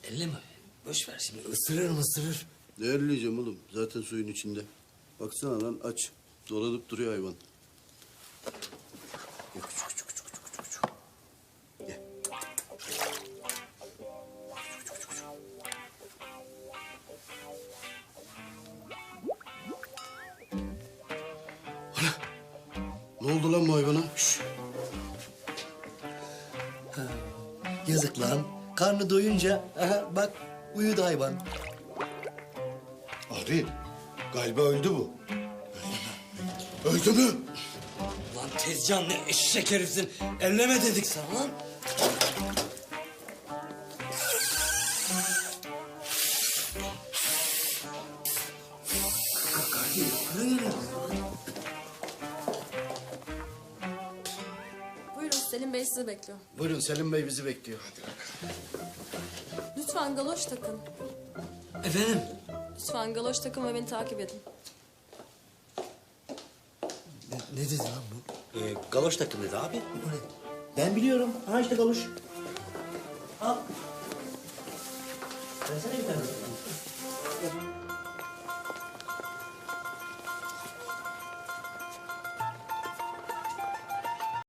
elleme. Boş ver şimdi ısırır mı ısırır. Ne elleyeceğim oğlum? Zaten suyun içinde. Baksana lan aç. Dolanıp duruyor hayvan. Gel küçük küçük küçük küçük küçük. Gel. Küçük küçük küçük. Ana! Ne oldu lan bu hayvana? Şş. Yazık lan. Karnı doyunca aha, bak uyudu hayvan. Ari, galiba öldü bu. Öldü mü? Lan Tezcan ne eşek herifsin. Elleme dedik sana lan. Buyurun Selim Bey sizi bekliyor. Buyurun Selim Bey bizi bekliyor. Lütfen galoş takın. Efendim? Lütfen galoş takın ve beni takip edin. Ne dedi lan bu? Galoş takım dedi abi. Bu ne? Ben biliyorum. Ha işte galoş. Al. Versene bir tane.